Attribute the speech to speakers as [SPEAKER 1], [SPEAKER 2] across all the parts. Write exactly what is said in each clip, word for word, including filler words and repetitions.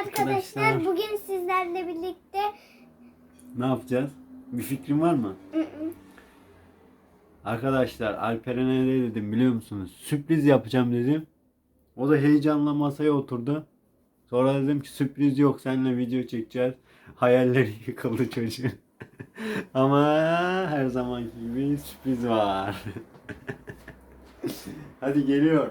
[SPEAKER 1] arkadaşlar,
[SPEAKER 2] Arkadaşlar.
[SPEAKER 1] bugün sizlerle birlikte
[SPEAKER 2] Ne yapacağız? Bir fikrin var mı?
[SPEAKER 1] ı ı,
[SPEAKER 2] Arkadaşlar Alperen'e ne dedim biliyor musunuz? Sürpriz yapacağım dedim. O da heyecanla masaya oturdu. Sonra dedim ki sürpriz yok, seninle video çekeceğiz. Hayalleri yıkıldı çocuğun. Ama her zamanki gibi sürpriz var. Hadi geliyor.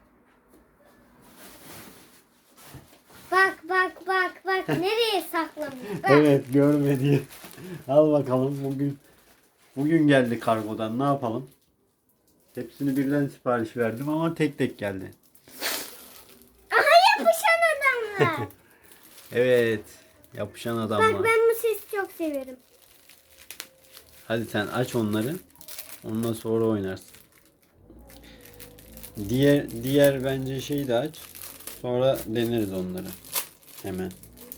[SPEAKER 1] bak bak bak bak nereye saklamış bak.
[SPEAKER 2] Evet, görmedi. Al bakalım, bugün bugün geldi kargodan, ne yapalım? Hepsini birden sipariş verdim ama tek tek geldi.
[SPEAKER 1] Aha, yapışan adamlar.
[SPEAKER 2] Evet, yapışan adamlar.
[SPEAKER 1] Bak, ben bu sesi çok severim.
[SPEAKER 2] Hadi sen aç onları. Ondan sonra oynarsın. Diğer diğer bence şeyi de aç. Sonra deneriz onları. Hemen.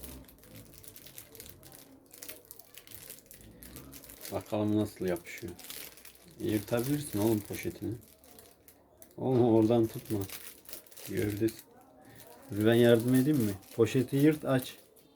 [SPEAKER 2] Bakalım nasıl yapışıyor. Yırtabilirsin oğlum poşetini. Oğlum oradan tutma. Gördün. Ben yardım edeyim mi? Poşeti yırt, aç.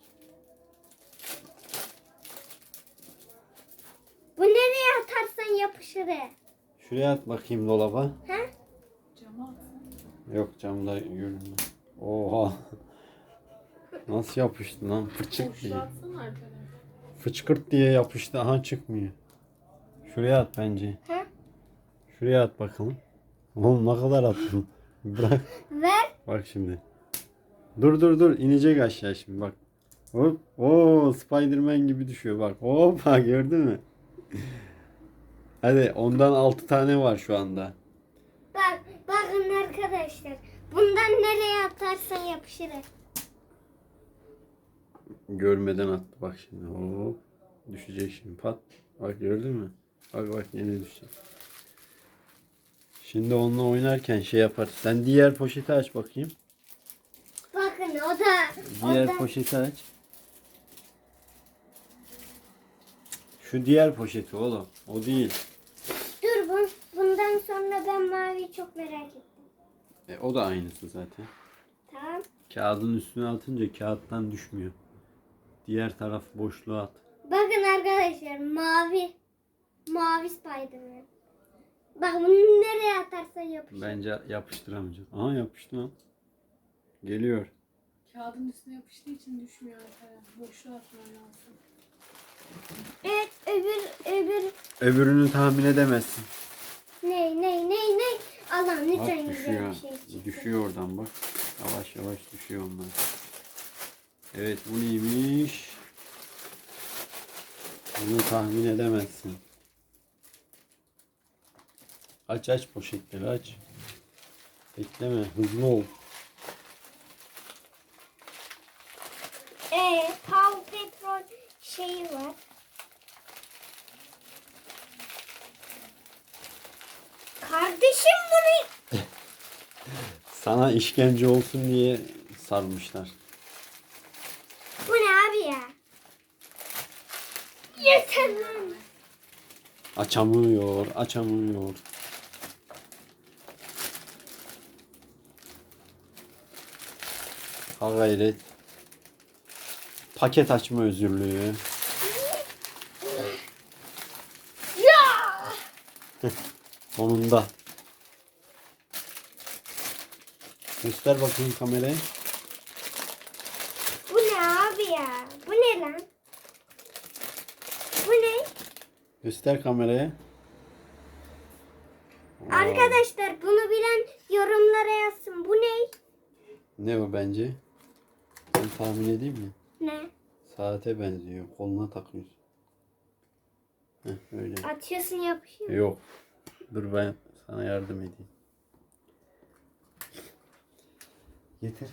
[SPEAKER 1] Bu nereye atarsan yapışır he.
[SPEAKER 2] Şuraya at bakayım dolaba.
[SPEAKER 1] He?
[SPEAKER 3] Cama atsana.
[SPEAKER 2] Yok, camda görünmüyor. Oha. Nasıl yapıştı lan? Fırçık diye.
[SPEAKER 3] Boşluğa atsana Alperen.
[SPEAKER 2] Fıçkırt diye yapıştı. Aha, çıkmıyor. Şuraya at bence.
[SPEAKER 1] He?
[SPEAKER 2] Şuraya at bakalım. Oğlum ne kadar attın? Bırak.
[SPEAKER 1] Ver.
[SPEAKER 2] Bak şimdi. Dur dur dur. İnecek aşağı şimdi bak. Hop. Oo, Spiderman gibi düşüyor bak. Hoppa, gördün mü? Hadi, ondan altı tane var şu anda.
[SPEAKER 1] Bak bakın arkadaşlar. Bundan nereye atarsan yapışır he.
[SPEAKER 2] Görmeden attı bak şimdi. Hop. Düşecek şimdi, pat. Bak, gördün mü? Bak bak, yine düşecek. Şimdi onunla oynarken şey yapar. Sen diğer poşeti aç bakayım.
[SPEAKER 1] Bakın o da
[SPEAKER 2] Diğer
[SPEAKER 1] o da.
[SPEAKER 2] poşeti aç. Şu diğer poşeti oğlum. O değil.
[SPEAKER 1] Dur, bu, bundan sonra ben maviyi çok merak ettim.
[SPEAKER 2] E, o da aynısı zaten.
[SPEAKER 1] Tamam.
[SPEAKER 2] Kağıdın üstüne atınca kağıttan düşmüyor. Diğer taraf boşluğa at.
[SPEAKER 1] Bakın arkadaşlar, mavi. Mavi Spiderman. Bak, bunu nereye atarsan yapışır.
[SPEAKER 2] Bence yapıştıramayacağız. Aha, yapıştı lan. Geliyor.
[SPEAKER 3] Kağıdın üstüne yapıştığı için düşmüyor Alperen. Boşluğa atman lazım.
[SPEAKER 1] Evet, öbür öbür
[SPEAKER 2] Öbürünü tahmin edemezsin.
[SPEAKER 1] ne ne ne ne. Allah'ım
[SPEAKER 2] Bak,
[SPEAKER 1] lütfen güzel
[SPEAKER 2] düşüyor.
[SPEAKER 1] bir şey çıksın.
[SPEAKER 2] Düşüyor oradan bak. Yavaş yavaş düşüyor onlar. Evet, bu neymiş? Bunu tahmin edemezsin. Aç aç poşetleri, aç. Bekleme, hızlı ol.
[SPEAKER 1] Ee, Paw Patrol şeyi var. Kardeşim bunu.
[SPEAKER 2] Sana işkence olsun diye sarmışlar.
[SPEAKER 1] Bu ne abi ya? Yeter lan.
[SPEAKER 2] Açamıyor, açamıyor. Ha gayret. Paket açma özürlüğü.
[SPEAKER 1] Ya!
[SPEAKER 2] Sonunda. Göster bakayım kameraya.
[SPEAKER 1] Bu ne abi ya? Bu ne lan? Bu ne?
[SPEAKER 2] Göster kameraya.
[SPEAKER 1] Arkadaşlar, bunu bilen yorumlara yazsın. Bu ne?
[SPEAKER 2] Ne o bence? Ben tahmin edeyim mi?
[SPEAKER 1] Ne?
[SPEAKER 2] Saate benziyor. Koluna takıyorsun. Heh, öyle.
[SPEAKER 1] Atıyorsun, yapışıyor.
[SPEAKER 2] Yok. Dur, ben sana yardım edeyim. Getir.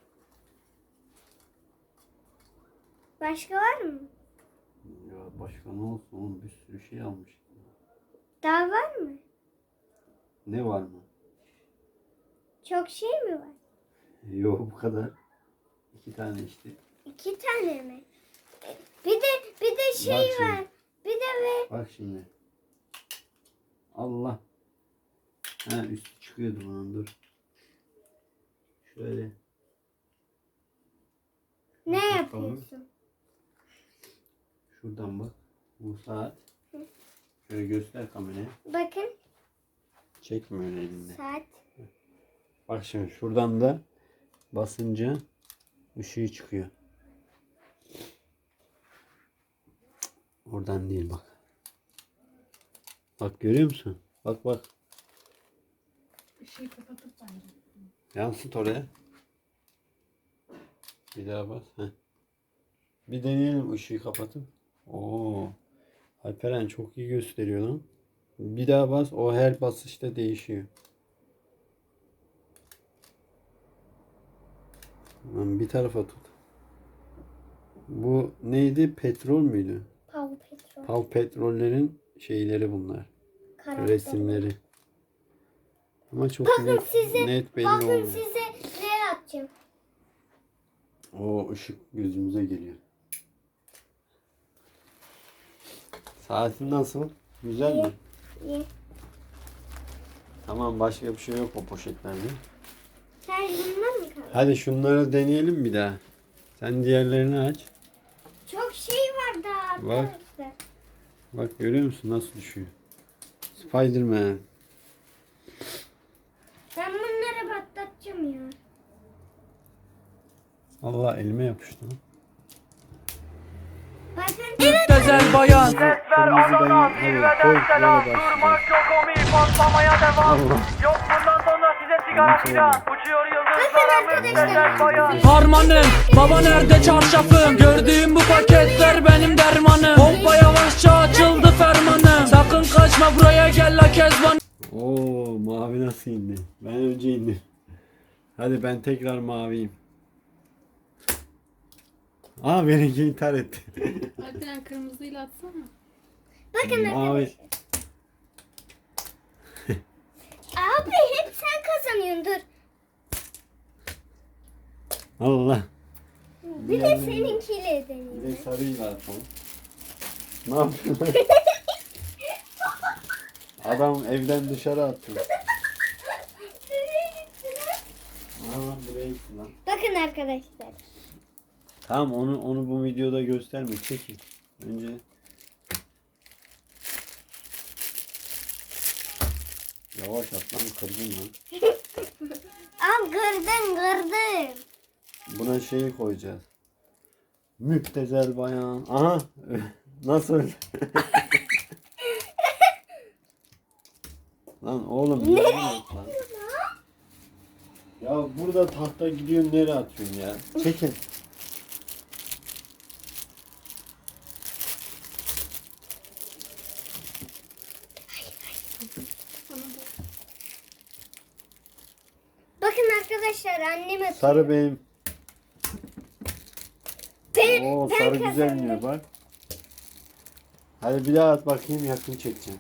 [SPEAKER 1] Başka var mı?
[SPEAKER 2] Ya başka ne olsun oğlum, bir sürü şey almış.
[SPEAKER 1] Daha var mı?
[SPEAKER 2] Ne var mı?
[SPEAKER 1] Çok şey mi var?
[SPEAKER 2] Yok, bu kadar. İki tane işte.
[SPEAKER 1] İki tane mi? Bir de bir de şey
[SPEAKER 2] Bak şimdi.
[SPEAKER 1] var. Bir de ve
[SPEAKER 2] Bak şimdi. Allah. Ha, üstü çıkıyordu bunun, dur. Şöyle.
[SPEAKER 1] Ne
[SPEAKER 2] Bakalım.
[SPEAKER 1] yapıyorsun?
[SPEAKER 2] Şuradan bak. Bu saat. Şöyle göster kameraya.
[SPEAKER 1] Bakın
[SPEAKER 2] Çekme öyle elinde.
[SPEAKER 1] saat.
[SPEAKER 2] Bak şimdi şuradan da basınca ışığı çıkıyor. Oradan değil bak. Bak görüyor musun? Bak bak.
[SPEAKER 3] Işığı kapatıp bence.
[SPEAKER 2] Yansıt oraya. Bir daha bas. Heh. Bir deneyelim ışığı kapatıp. Oo. Alperen çok iyi gösteriyor lan. Bir daha bas. O her basışta değişiyor. Lan bir tarafa tut. Bu neydi? Petrol müydü?
[SPEAKER 1] Pav petrol.
[SPEAKER 2] Pav petrollerin şeyleri bunlar.
[SPEAKER 1] Karakteri.
[SPEAKER 2] Resimleri. Ama çok
[SPEAKER 1] Bakın
[SPEAKER 2] net,
[SPEAKER 1] size,
[SPEAKER 2] net belli
[SPEAKER 1] bakın
[SPEAKER 2] olmuyor.
[SPEAKER 1] size ne atacağım.
[SPEAKER 2] O ışık gözümüze geliyor. Saatin nasıl? Güzel mi?
[SPEAKER 1] İyi.
[SPEAKER 2] Tamam başka bir şey yok o poşetlerde.
[SPEAKER 1] Sen bundan mı kaldın?
[SPEAKER 2] Hadi şunları deneyelim bir daha. Sen diğerlerini aç.
[SPEAKER 1] Çok şey var daha
[SPEAKER 2] Bak.
[SPEAKER 1] arkadaşlar.
[SPEAKER 2] Bak görüyor musun nasıl düşüyor? Spiderman.
[SPEAKER 1] Ben bunları patlatacağım ya.
[SPEAKER 2] Allah elime yapıştı lan.
[SPEAKER 1] Bakın.
[SPEAKER 4] Güzel bayan.
[SPEAKER 2] Kırmızı dayı. Hadi koy böyle başlayalım.
[SPEAKER 4] Patlamaya devam.
[SPEAKER 2] Allah.
[SPEAKER 4] Yok bundan sonra size sigara filan. Uçuyor yıldızlara müptezel bayan. Harmanım, baba nerede çarşafım? Gördüğüm bu paketler benim dermanım. Pompa yavaşça açıldı fermanım. Sakın kaçma buraya gel la kezban.
[SPEAKER 2] Oo mavi nasıl indi? Ben önce indim. Hadi ben tekrar maviyim. Aa benimki intihar etti.
[SPEAKER 3] Alperen kırmızıyla atsana.
[SPEAKER 1] Bakın
[SPEAKER 2] Mavi.
[SPEAKER 1] arkadaşlar. Abi hep sen kazanıyorsun dur.
[SPEAKER 2] Allah.
[SPEAKER 1] Bir de seninkiyle
[SPEAKER 2] Bir de
[SPEAKER 1] deneyeyim.
[SPEAKER 2] sarıyla atalım. Ne yapıyorsun? Adam evden dışarı attı. Aa buraya gitti lan.
[SPEAKER 1] Bakın arkadaşlar.
[SPEAKER 2] Tamam onu onu bu videoda gösterme. Çekin. Önce yavaş at lan kırdın lan.
[SPEAKER 1] Al kırdın kırdın.
[SPEAKER 2] Buna şeyi koyacağız. Müptezel bayan. Aha. Nasıl? Lan oğlum. Ne? Lan? Ya burada tahta gidiyorsun nereye atıyorsun ya? Çekin.
[SPEAKER 1] Bakın arkadaşlar annem atıyor.
[SPEAKER 2] Sarı benim.
[SPEAKER 1] Ben,
[SPEAKER 2] Oo
[SPEAKER 1] ben
[SPEAKER 2] sarı güzel
[SPEAKER 1] kazandım.
[SPEAKER 2] iniyor bak. Hadi bir daha at bakayım yakın çekeceğim.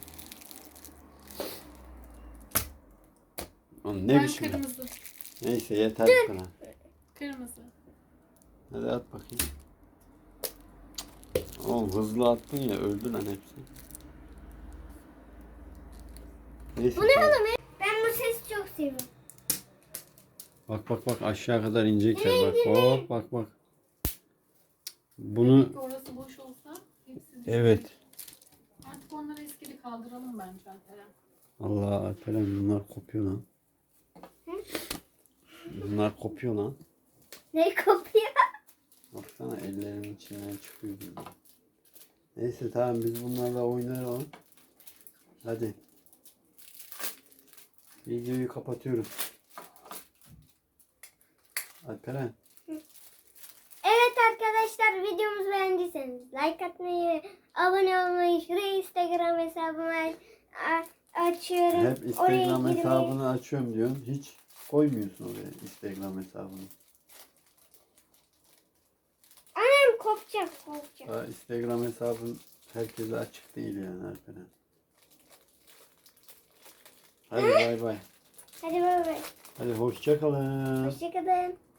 [SPEAKER 2] Oğlum ne
[SPEAKER 3] Ben
[SPEAKER 2] biçim?
[SPEAKER 3] kırmızı.
[SPEAKER 2] Neyse yeter bu kadar.
[SPEAKER 3] Kırmızı.
[SPEAKER 2] Hadi at bakayım. Oğlum hızlı attın ya öldü lan hepsi. Neyse.
[SPEAKER 1] Bu ne
[SPEAKER 2] tamam.
[SPEAKER 1] oğlum? Ben bu sesi çok seviyorum.
[SPEAKER 2] Bak bak bak aşağı kadar inecekler bak. Hop bak bak. Bunu
[SPEAKER 3] Orası boş olsa hepsi düşer.
[SPEAKER 2] evet.
[SPEAKER 3] Artık onları eskili kaldıralım bence Alperen.
[SPEAKER 2] Allah Alperen bunlar kopuyor lan. Bunlar kopuyor lan.
[SPEAKER 1] Ne kopuyor?
[SPEAKER 2] Baksana ellerimin içinden çıkıyor gibi. Neyse tamam biz bunlarla oynayalım. Hadi. Videoyu kapatıyoruz. Alperen.
[SPEAKER 1] Evet arkadaşlar videomuzu beğendiyseniz like atmayı ve abone olmayı, şuraya Instagram hesabımı a- açıyorum.
[SPEAKER 2] Hep
[SPEAKER 1] Oraya
[SPEAKER 2] Instagram
[SPEAKER 1] girmeyi-
[SPEAKER 2] hesabını açıyorum diyorsun. Hiç koymuyorsun oraya Instagram hesabını.
[SPEAKER 1] Annem kopacak kopacak.
[SPEAKER 2] Daha Instagram hesabın herkese açık değil yani Alperen. Hadi bay bay.
[SPEAKER 1] Hadi bay bay.
[SPEAKER 2] Hadi hoşça kalın.
[SPEAKER 1] Hoşçakalın.